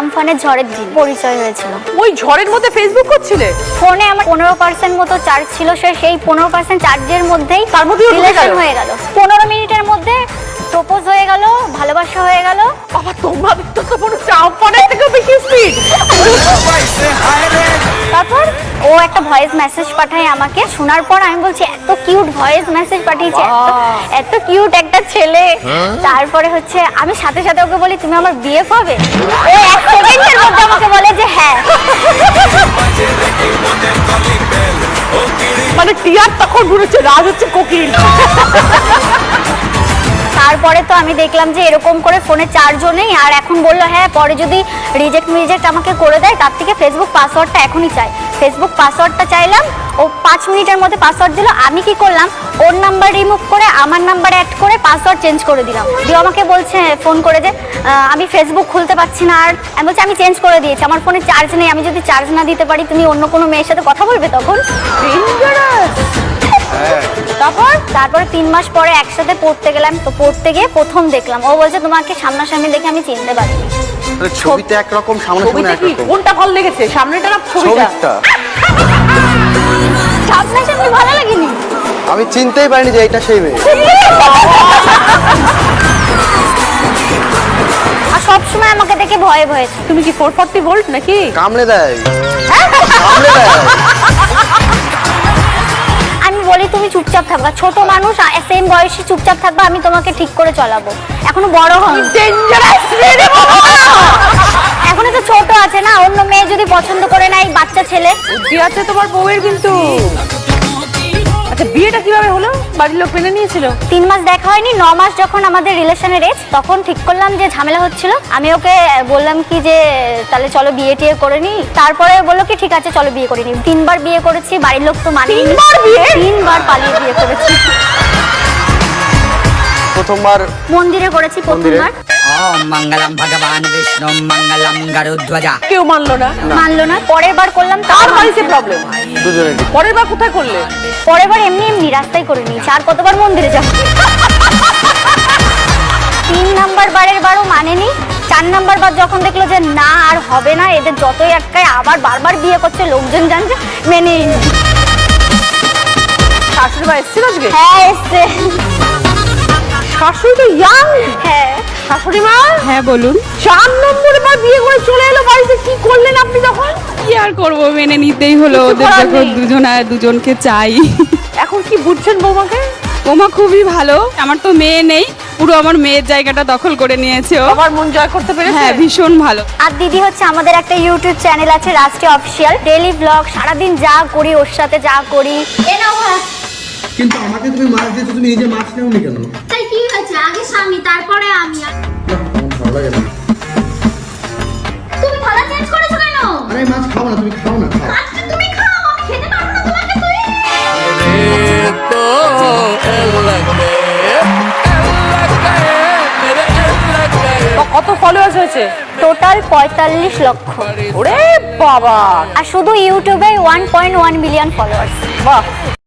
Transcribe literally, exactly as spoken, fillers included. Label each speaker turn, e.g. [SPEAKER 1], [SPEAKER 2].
[SPEAKER 1] আমফানের ঝড়ের দিন পরিচয় হয়েছিল।
[SPEAKER 2] ওই ঝড়ের মধ্যে ফেসবুক করছিলে?
[SPEAKER 1] ফোনে আমার পনেরো পার্সেন্ট মতো চার্জ ছিল, সে সেই পনেরো পার্সেন্ট চার্জের মধ্যেই
[SPEAKER 2] তার মধ্যে
[SPEAKER 1] রিলেশন হয়ে গেল। পনেরো মিনিটের মধ্যে প্রপোজ হয়ে গেল, ভালোবাসা হয়ে গেল।
[SPEAKER 2] বাবা তোমাদের তো তো মনে হচ্ছে আমফানের থেকেও বেশি স্পিড।
[SPEAKER 1] তারপর ও একটা ভয়েস মেসেজ পাঠায় আমাকে, শোনার পর আমি বলছি এত কিউট ভয়েস মেসেজ পাঠিয়েছে, এত কিউট একটা ছেলে। তারপরে হচ্ছে আমি সাথে সাথে ওকে বলি তুমি আমার বিএফ হবে। ও এক সেকেন্ডের মধ্যে আমাকে বলে যে হ্যাঁ।
[SPEAKER 2] মানে টিয়ার তখন ঘুরেছে, রাজ হচ্ছে কোকিল।
[SPEAKER 1] তারপরে তো আমি দেখলাম যে এরকম করে ফোনে চার্জও নেই, আর এখন বললো হ্যাঁ পরে যদি রিজেক্ট মিজেক্ট আমাকে করে দেয় তার থেকে ফেসবুক পাসওয়ার্ডটা এখনই চাই। ফেসবুক পাসওয়ার্ডটা চাইলাম, ও পাঁচ মিনিটের মধ্যে পাসওয়ার্ড দিল। আমি কি করলাম, ওর নাম্বার রিমুভ করে আমার নাম্বার অ্যাড করে পাসওয়ার্ড চেঞ্জ করে দিলাম। দিয়ে আমাকে বলছে ফোন করে যে আমি ফেসবুক খুলতে পারছি না। আর আমি বলছি আমি চেঞ্জ করে দিয়েছি, আমার ফোনে চার্জ নেই, আমি যদি চার্জ না দিতে পারি তুমি অন্য কোনো মেয়ের সাথে কথা বলবে তখন। তারপর তারপরে তিন মাস পরে একসাথে পড়তে গেলাম, তো পড়তে গিয়ে প্রথম দেখলাম, ও বলছে তোমাকে সামনাসামনি দেখে আমি চিনতে পারিনি।
[SPEAKER 3] ছবিতে একরকম, সামনাসামনি একরকম।
[SPEAKER 2] কোনটা ভালো লেগেছে, সামনেটা না ছবিটা?
[SPEAKER 1] সামনাসামনি ভালো লাগেনি,
[SPEAKER 3] আমি চিনতেই পারিনি যে এটা সেই মেয়ে।
[SPEAKER 1] আর সবসময় আমাকে দেখে ভয়ে ভয়ে।
[SPEAKER 2] তুমি কি ফোর ফর্টি ভোল্ট নাকি?
[SPEAKER 3] কামড়ে দেয়, কামড়ে দেয়।
[SPEAKER 1] আমি বলি তুমি চুপচাপ থাকবা, ছোট মানুষ সেম বয়সী, চুপচাপ থাকবা, আমি তোমাকে ঠিক করে চলাবো। এখনো বড় হন, এখনো তো ছোট আছে না, অন্য মেয়ে যদি পছন্দ করে না, এই বাচ্চা ছেলে।
[SPEAKER 2] বুদ্ধি আছে তোমার বউয়ের কিন্তু। আচ্ছা বিয়েটা কিভাবে হলো, বাড়ির লোক মেনে নিয়েছিল?
[SPEAKER 1] তিন মাস দেখা হয়নি, ন মাস যখন আমাদের রিলেশনের এজ, তখন ঠিক করলাম যে ঝামেলা হচ্ছিল। আমি ওকে বললাম কি যে তাহলে চলো বিয়ে টিয়ে করে নি। তারপরে বললো কি ঠিক আছে চলো বিয়ে করে নি। তিনবার বিয়ে করেছি, বাড়ির লোক তো মানে
[SPEAKER 2] তিনবার বিয়ে,
[SPEAKER 1] তিনবার পালিয়ে বিয়ে করেছি।
[SPEAKER 3] প্রথমবার
[SPEAKER 1] মন্দিরে করেছি, প্রথমবার
[SPEAKER 4] ওম মঙ্গলম ভগবান বিষ্ণু মঙ্গলম গরুধ্বজা।
[SPEAKER 2] কেউ মানলো না?
[SPEAKER 1] মানলো না। পরের বার করলাম,
[SPEAKER 2] তার বাড়িতে প্রবলেম।
[SPEAKER 3] দুজনে।
[SPEAKER 2] পরের বার কোথায় করলে?
[SPEAKER 1] পরের বার এমনি এমনি রাস্তায় করে নিয়েছি, আর কতবার মন্দিরে যাব। তিন নাম্বার বারের বারও মানেনি। চার নাম্বার বার যখন দেখলো যে না আর হবে না, এদের যতই আটকায় আবার বারবার বিয়ে করছে, লোকজন জানছে, মেনে নিল।
[SPEAKER 2] শাশুড়ি মা এসেছিল আজকে?
[SPEAKER 1] হ্যাঁ এসছে।
[SPEAKER 2] শাশুড়ি তো ইয়াং।
[SPEAKER 1] হ্যাঁ
[SPEAKER 2] শাশুড়ি মা।
[SPEAKER 5] হ্যাঁ বলুন।
[SPEAKER 2] চার নম্বরে বার বিয়ে করে চলে এলো বাড়িতে, কি করলেন আপনি তখন?
[SPEAKER 5] কি আর করবো, মেনে নিতেই হলো,
[SPEAKER 2] কিছু
[SPEAKER 5] ওদের
[SPEAKER 2] করার
[SPEAKER 5] যখন
[SPEAKER 2] নেই।
[SPEAKER 5] দুজন আর দুজনকে চাই।
[SPEAKER 2] এখন কি বুঝছেন বৌমাকে?
[SPEAKER 5] ওমা খুবই ভালো, আমার তো মেয়ে নেই, পুরো আমার মেয়ের জায়গাটা দখল করে নিয়েছে ও।
[SPEAKER 2] বাবার মন জয় করতে পেরেছে।
[SPEAKER 5] হ্যাঁ ভীষণ ভালো।
[SPEAKER 1] আর দিদি হচ্ছে আমাদের একটা ইউটিউব চ্যানেল আছে রাষ্ট্রীয় অফিসিয়াল, ডেইলি ব্লগ, সারাদিন যা করি ওর সাথে যা করি। এ নাও ভাত।
[SPEAKER 6] কিন্তু আমাকে তুমি মাছ দিতে, তুমি নিজে মাছ নেওনি কেন?
[SPEAKER 1] তাই কি হয়েছে, আগে স্বামী তারপরে আমি।
[SPEAKER 6] না, আমার ভালো লাগে না।
[SPEAKER 1] তুমি থালা চেঞ্জ করেছো কেন?
[SPEAKER 6] আরে আমি মাছ খাবো না, তুমি খাও না, খাও।
[SPEAKER 1] আজকে তুমি খাও, আমি খেতে পারবো না তোমাকে। তুই
[SPEAKER 2] কত ফলোয়ার্স হয়েছে?
[SPEAKER 1] টোটাল পঁয়তাল্লিশ লক্ষ।
[SPEAKER 2] ওরে বাবা।
[SPEAKER 1] আর শুধু ইউটিউবে one point one million followers.
[SPEAKER 2] বাহ।